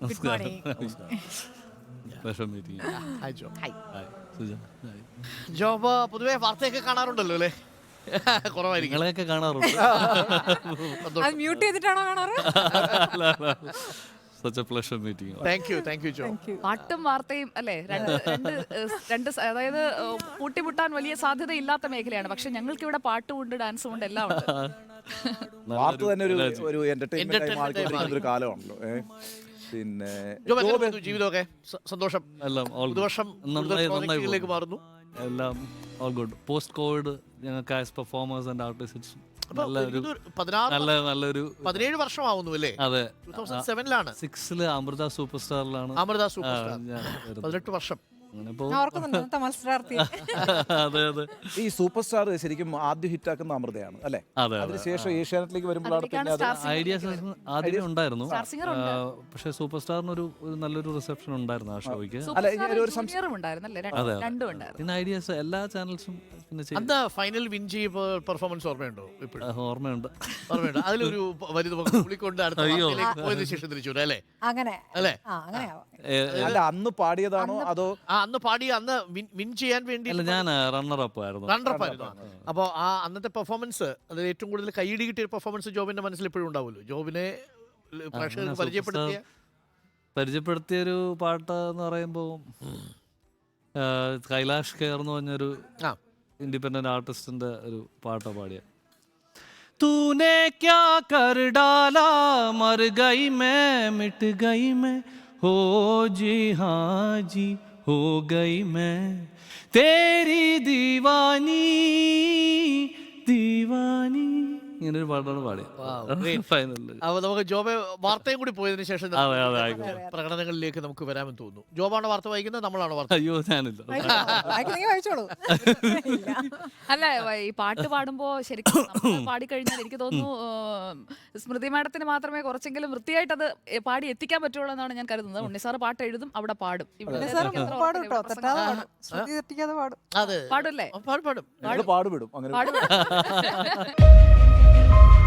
Good morning. Pleasure meeting you. Hi Jo. Hi. Hi, Suja. Hi. Job പൊതുവെ വാർത്തയൊക്കെ കാണാറുണ്ടല്ലോ അല്ലേ? കുറവായിരിക്കും. നിങ്ങളെയൊക്കെ കാണാറുണ്ട്. അത് മ്യൂട്ട് ചെയ്തിട്ടാണോ കാണാറ്? Such a pleasure meeting you. Thank you Jo. പാട്ടും വാർത്തയും അല്ലേ അതായത് പൂട്ടിമുട്ടാൻ വലിയ സാധ്യതയില്ലാത്ത മേഖലയാണ്. പക്ഷെ ഞങ്ങൾക്ക് ഇവിടെ പാട്ടും ഉണ്ട്, ഡാൻസും ഉണ്ട്, എല്ലാം ഉണ്ട്. വാർത്ത തന്നെ ഒരു എന്റർടൈൻമെന്റ് മാറിക്കൊണ്ടിരിക്കുന്ന ഒരു കാലമാണല്ലോ. പിന്നെ ജോബ് എങ്ങനെ പോകുന്നു ജീവിതമൊക്കെ? സന്തോഷം. എല്ലാം all good. പുതുവർഷം നന്നായി പ്രോജക്റ്റുകളിലേക്ക് മാറുന്നു. എല്ലാം all good. Post COVID ഞങ്ങൾക്ക് ആസ് പെർഫോമേഴ്സ് ആൻഡ് ആർട്ടിസ്റ്റ് നല്ലൊരു 17 വർഷമാവുന്നു അല്ലേ? അതെ 2007 6 അമൃത സൂപ്പർ സ്റ്റാറിലാണ് അമൃത സൂപ്പർ സ്റ്റാർ. ഞാൻ വരുന്നത്. 18 വർഷം. അങ്ങനെ ഞാൻ ഓർക്കുന്നുണ്ട് അന്നത്തെ മത്സരാർത്ഥി. അതെ അതെ ഈ സൂപ്പർ സ്റ്റാർ ശരിക്കും ആദ്യം ഹിറ്റാക്കുന്ന അമൃതയാണ് അല്ലേ? അതെ അതിനുശേഷം ഏഷ്യാനെറ്റിലേക്ക് വരുമ്പോഴാണ് പിന്നെ അത് ഐഡിയാസ് ആദ്യമേ ഉണ്ടായിരുന്നു. സ്റ്റാർ സിംഗർ ഉണ്ട്. പക്ഷെ സൂപ്പർ സ്റ്റാറിന് ഒരു നല്ലൊരു റിസപ്ഷൻ ഉണ്ടായിരുന്നു ആ ഷോയ്ക്ക്. അല്ല, ഒരു ജൂനിയറും ഉണ്ടായിരുന്നല്ലേ? രണ്ടും ഉണ്ടായിരുന്നു. പിന്നെ ഐഡിയാസ് എല്ലാ ചാനൽസും പിന്നെ അന്ന് ഫൈനൽ വിൻ ചെയ്ത പെർഫോമൻസ് ഓർമ്മയുണ്ടോ? ഇപ്പോഴും ഓർമ്മയുണ്ട്. ഓർമ്മയുണ്ട്. അതിലൊരു വലുത് പുള്ളിക്കൊണ്ട് അടുത്ത വാർത്തയിലേക്ക് പോയതിനു ശേഷം തിരിച്ചു വരും അല്ലേ? അങ്ങനെ അല്ലേ? അങ്ങനെയാവാം. അല്ല, അന്ന് പാടിയതാണോ അതോ അന്ന് പാടി അന്ന് വിൻ ചെയ്യാൻ വേണ്ടി അല്ല, ഞാൻ റണ്ണർ അപ്പ് ആയിരുന്നു. റണ്ണറപ്പായിരുന്നു. അപ്പോൾ ആ അന്നത്തെ പെർഫോമൻസ്, അത് ഏറ്റവും കൂടുതൽ കൈയിടി കിട്ടിയ പെർഫോമൻസ് ജോബിന്റെ മനസ്സിൽ എപ്പോഴും ഉണ്ടാവുമല്ലോ. ജോബിനെ പ്രേക്ഷകർക്ക് പരിചയപ്പെടുത്തിയൊരു പാട്ട് എന്ന് പറയുമ്പോൾ കൈലാഷ് കെയർ എന്ന് പറഞ്ഞൊരു ഇൻഡിപെൻഡന്റ് ആർട്ടിസ്റ്റിന്റെ ഒരു പാട്ടാ പാടിയ. തൂനെ ക്യാ കർ ഡാലാ മർ ഗയി മേ മിട്ട് ഗയി മേ ഹോ ജി ഹാ ജി ഹോ ഗയി മേ തേരി ദീവാനി ദീവാനി ഇങ്ങനൊരു പാട്ടാണ് പാടിയത് ഫൈനലിൽ. അപ്പോൾ നമുക്ക് ജോബ് വാർത്തയും കൂടി പോയതിനു ശേഷം അതെ അതെ ആയിക്കോട്ടെ. പ്രകടനങ്ങളിലേക്ക് നമുക്ക് വരാമെന്ന് തോന്നുന്നു. ജോബാണോ വാർത്ത വായിക്കുന്നത്, നമ്മളാണോ വാർത്ത? അയ്യോ ഞാനില്ല. വായിക്കുന്നെങ്കിൽ വായിച്ചോളൂ. അല്ല, ഈ പാട്ട് പാടുമ്പോ ശരിക്കും പാടിക്കഴിഞ്ഞാൽ എനിക്ക് തോന്നുന്നു സ്മൃതി മാഡത്തിന് മാത്രമേ കുറച്ചെങ്കിലും വൃത്തിയായിട്ട് അത് പാടി എത്തിക്കാൻ പറ്റുള്ളൂ എന്നാണ് ഞാൻ കരുതുന്നത്. ഉണ്ണിസാറ് പാട്ട് എഴുതും, അവിടെ പാടും. പാടും കേട്ടോ, തെറ്റാതെ പാടും, ശ്രുതി തെറ്റിക്കാതെ പാടും. അതെ, പാടുമല്ലേ? പാടും പാടുപെടും അങ്ങനെ പാടും.